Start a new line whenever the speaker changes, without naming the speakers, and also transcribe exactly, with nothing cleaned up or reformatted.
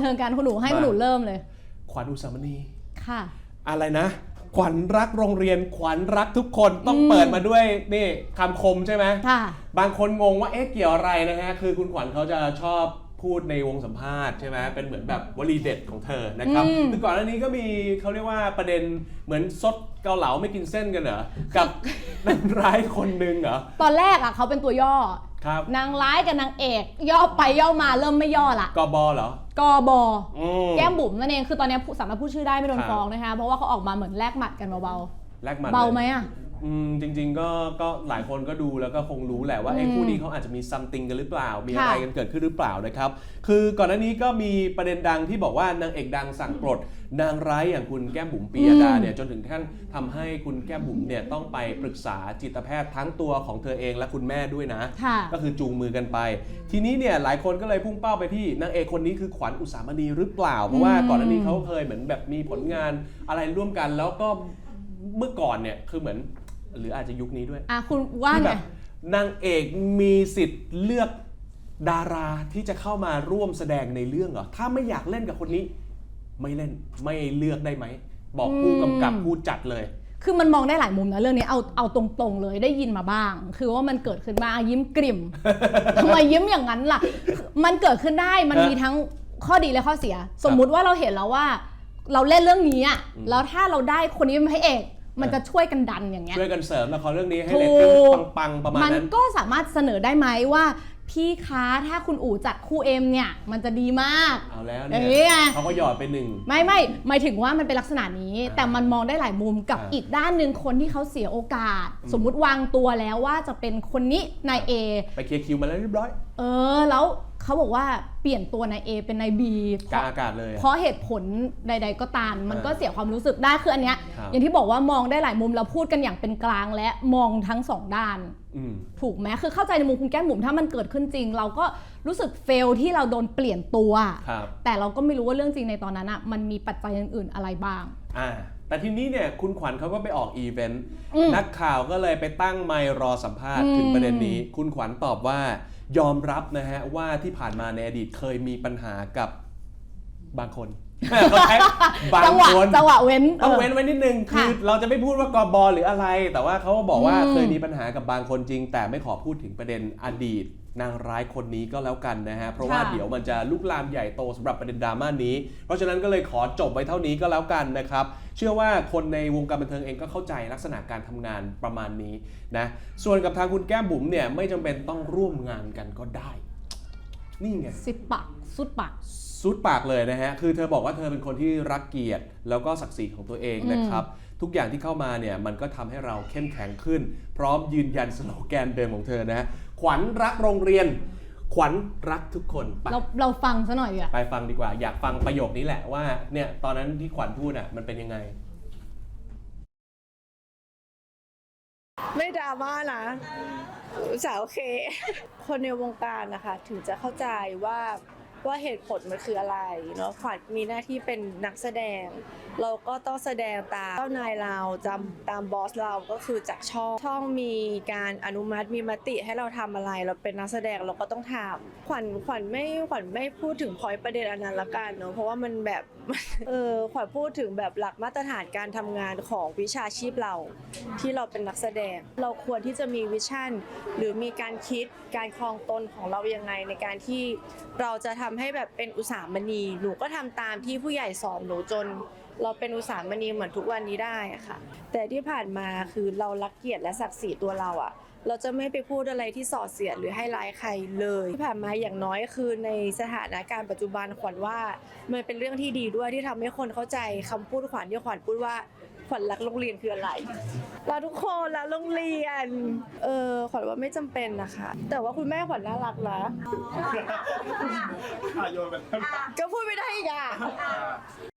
เทิงกันคุณหนูให้คุณหนูเริ่มเลย
ขวัญอุสามณี
ค่ะ
อะไรนะขวัญรักโรงเรียนขวัญรักทุกคนต้องเปิดมาด้วยนี่คำคมใช่ไหม
ค่ะ
บางคนงงว่าเอ๊ะเกี่ยวอะไรนะฮะคือคุณขวัญเขาจะชอบพูดในวงสัมภาษณ์ใช่ไหมเป็นเหมือนแบบวลีเด็ดของเธอนะครับคือก่อนหน้านี้ก็มีเขาเรียกว่าประเด็นเหมือนซดเกาเหลาไม่กินเส้นกันเหรอกับนางร้ายคนหนึ่งเหรอ
ตอนแรกอ่ะเขาเป็นตัวย่อ
ครับ
นางร้ายกับนางเอกย่อไปย่อมาเริ่มไม่ย่อละ
กบเหรอก
บแก้มบุ๋มนั่นเองคือตอนนี้สามารถพูดชื่อได้ไม่โดนฟ้องนะคะเพราะว่าเขาออกมาเหมือนแลกหมัดกันเบา
ๆแลกหมัด
เบาไหมอ่ะ
อืมจริงๆก็ก็หลายคนก็ดูแล้วก็คงรู้แหละว่าไอ้คู่นี้เขาอาจจะมีซัมติงกันหรือเปล่ามีอะไรกันเกิดขึ้นหรือเปล่านะครับคือก่อนหน้านี้ก็มีประเด็นดังที่บอกว่านางเอกดังสั่งปลดนางร้ายอย่างคุณแก้มบุ๋มปียดาเนี่ยจนถึงขั้นทำให้คุณแก้มบุ๋มเนี่ยต้องไปปรึกษาจิตแพทย์ทั้งตัวของเธอเองและคุณแม่ด้วยนะก็คือจูงมือกันไปทีนี้เนี่ยหลายคนก็เลยพุ่งเป้าไปที่นางเอกคนนี้คือขวัญอุสามณีหรือเปล่าเพราะว่าก่อนหน้านี้เขาเคยเหมือนแบบมีผลงานอะไรร่วมกันแล้วก็เมื่อก่อนเนี่ยคือเหมือนหรืออาจจะยุคนี้ด้วย
อ่ะคุณว่าไง
นางเอกมีสิทธิ์เลือกดาราที่จะเข้ามาร่วมแสดงในเรื่องเหรอถ้าไม่อยากเล่นกับคนนี้ไม่เล่นไม่เลือกได้ไหมบอกผู้กำกับผู้จัดเลย
คือมันมองได้หลายมุมนะเรื่องนี้เอาเอาตรงๆเลยได้ยินมาบ้างคือว่ามันเกิดขึ้นบ้างยิ้มกริ่มทำไมยิ้มอย่างนั้นล่ะมันเกิดขึ้นได้มันมีทั้งข้อดีและข้อเสียสมมุติว่าเราเห็นแล้วว่าเราเล่นเรื่องนี้อ่ะแล้วถ้าเราได้คนนี้เป็นพระเอกมันจะช่วยกันดันอย่างเงี้ย
ช่วยกันเสริมละครเรื่องนี้ให้เรตติ้งปังๆประมาณนั้น
มันก็สามารถเสนอได้ไหมว่าพี่คะถ้าคุณอู๋จัดคู่เอ็มเนี่ยมันจะดีมาก
เอาแล้วเนี่ยเขาก็หยอดไปหนึ่ง
ไม่ไม่หมายถึงว่ามันเป็นลักษณะนี้แต่มันมองได้หลายมุมกับอีกด้านหนึ่งคนที่เขาเสียโอกาสสมมุติวางตัวแล้วว่าจะเป็นคนนี้นายเอ
ไปเคลียร์คิวมาแล้วเรียบร้อย
เออแล้วเขาบอกว่าเปลี่ยนตัวนายเอเป็นนายบี
กลางอากาศเลย
เพราะเหตุผลใดๆก็ตามมันก็เสียความรู้สึกได้คืออันเนี้ยอย่างที่บอกว่ามองได้หลายมุมเราพูดกันอย่างเป็นกลางและมองทั้งสองด้านถูกไหมคือเข้าใจในมุมคุณแก้มบุ๋มถ้ามันเกิดขึ้นจริงเราก็รู้สึกเฟลที่เราโดนเปลี่ยนตัวแต่เราก็ไม่รู้ว่าเรื่องจริงในตอนนั้นอ่ะมันมีปัจจัยอื่นๆอะไรบ้าง
อ่าแต่ทีนี้เนี่ยคุณขวัญเขาก็ไปออกอีเวนต์นักข่าวก็เลยไปตั้งไมค์รอสัมภาษณ์ถึงประเด็นนี้คุณขวัญตอบว่ายอมรับนะฮะว่าที่ผ่านมาในอดีตเคยมีปัญหากับบางคน
บางคนจังหวะเว้น
ต้องเว้นไว้นิดนึงคือเราจะไม่พูดว่ากบหรืออะไรแต่ว่าเขาบอกว่าเคยมีปัญหากับบางคนจริงแต่ไม่ขอพูดถึงประเด็นอดีตนางร้ายคนนี้ก็แล้วกันนะฮะเพราะว่าเดี๋ยวมันจะลุกลามใหญ่โตสำหรับประเด็นดราม่านี้เพราะฉะนั้นก็เลยขอจบไว้เท่านี้ก็แล้วกันนะครับเชื่อว่าคนในวงการบันเทิงเองก็เข้าใจลักษณะการทำงานประมาณนี้นะส่วนกับทางคุณแก้มบุ๋มเนี่ยไม่จำเป็นต้องร่วมงานกันก็ได้นี่ไง
สิบปากสุดปาก
สุดปากเลยนะฮะคือเธอบอกว่าเธอเป็นคนที่รักเกียรติแล้วก็ศักดิ์ศรีของตัวเองนะครับทุกอย่างที่เข้ามาเนี่ยมันก็ทำให้เราเข้มแข็งขึ้นพร้อมยืนยันสโลแกนเดิมของเธอนะฮะขวัญรักโรงเรียนขวัญรักทุกคน
เราเราฟังซะหน่อยอ่ะ
ไปฟังดีกว่าอยากฟังประโยคนี้แหละว่าเนี่ยตอนนั้นที่ขวัญพูดอ่ะมันเป็นยังไง
ไม่ดราม่านะสาวโอเคคนในวงการนะคะถึงจะเข้าใจว่าว่าเหตุผลมันคืออะไรเนาะขวัญมีหน้าที่เป็นนักแสดงเราก็ต้องแสดงตามเจ้านายเราจำตามบอสเราก็คือจากช่องช่องมีการอนุมัติมีมติให้เราทำอะไรเราเป็นนักแสดงเราก็ต้องทำขวัญขวัญไม่ขวัญไม่พูดถึงพอยต์ประเด็นอันนั้นละกันเนาะเพราะว่ามันแบบเออขวัญพูดถึงแบบหลักมาตรฐานการทำงานของวิชาชีพเราที่เราเป็นนักแสดงเราควรที่จะมีวิชั่นหรือมีการคิดการครองตนของเรายังไงในการที่เราจะทำให้แบบเป็นอุตสาหมณีหนูก็ทำตามที่ผู้ใหญ่สอนหนูจนเราเป็นอุตสาหมณีเหมือนทุกวันนี้ได้อะค่ะแต่ที่ผ่านมาคือเรารักเกียรติและศักดิ์ศรีตัวเราอะเราจะไม่ไปพูดอะไรที่ส่อเสียดหรือให้ร้ายใครเลยที่ผ่านมาอย่างน้อยคือในสถานการณ์ปัจจุบันขวัญว่ามันเป็นเรื่องที่ดีด้วยที่ทำให้คนเข้าใจคำพูดขวัญที่ขวัญพูดว่าขวัญรักโรงเรียนคืออะไรเราทุกคนรักโรงเรียนเออขวัญว่าไม่จำเป็นนะคะแต่ว่าคุณแม่ขวัญน่ารักนะก็พูดไม่ได้อีกอ่ะ